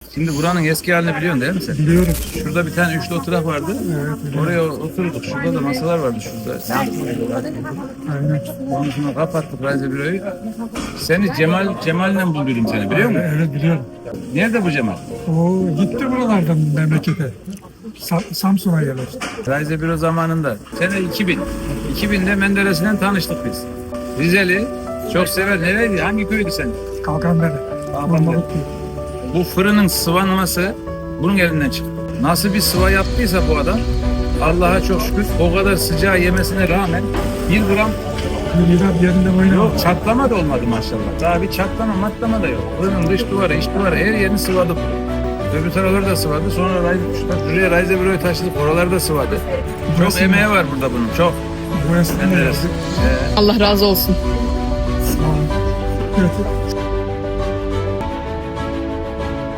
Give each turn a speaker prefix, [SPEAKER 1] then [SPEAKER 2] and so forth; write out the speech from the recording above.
[SPEAKER 1] Şimdi buranın eski halini biliyorsun değil mi sen?
[SPEAKER 2] Biliyorum.
[SPEAKER 1] Şurada bir tane üçlü oturak vardı.
[SPEAKER 2] Evet.
[SPEAKER 1] Oraya oturduk. Şurada da masalar vardı şurada.
[SPEAKER 2] Aynen.
[SPEAKER 1] Ondan sonra kapattık Raize Büro'yu. Seni Cemal'le buldum seni biliyor musun?
[SPEAKER 2] Evet biliyorum.
[SPEAKER 1] Nerede bu Cemal?
[SPEAKER 2] O gitti buralardan memlekete. Samsun'a yerleşti.
[SPEAKER 1] Raize Büro zamanında. Sene 2000. 2000'de Menderes'le tanıştık biz. Rizeli. Çok sever. Nereydi? Hangi köydü sen?
[SPEAKER 2] Kalkanbere.
[SPEAKER 1] Kalkanbere. Bu fırının sıvanması bunun elinden çıktı. Nasıl bir sıva yaptıysa bu adam, Allah'a çok şükür o kadar sıcağı yemesine rağmen 1 gram
[SPEAKER 2] Milat yerinde oynamadı.
[SPEAKER 1] yok, çatlama da olmadı maşallah. Daha bir çatlama matlama da yok. Fırının dış duvarı, iç duvarı her yerini sıvadık. Öbür tarafları da sıvadı. Sonra şuraya Raize Büro'yu taşıdık. Oraları da sıvadı. Çok emeği var burada bunun. Çok.
[SPEAKER 2] Bu esnada
[SPEAKER 1] Menderes.
[SPEAKER 2] yazdık.
[SPEAKER 3] Allah razı olsun.
[SPEAKER 2] Sağ olun. Evet.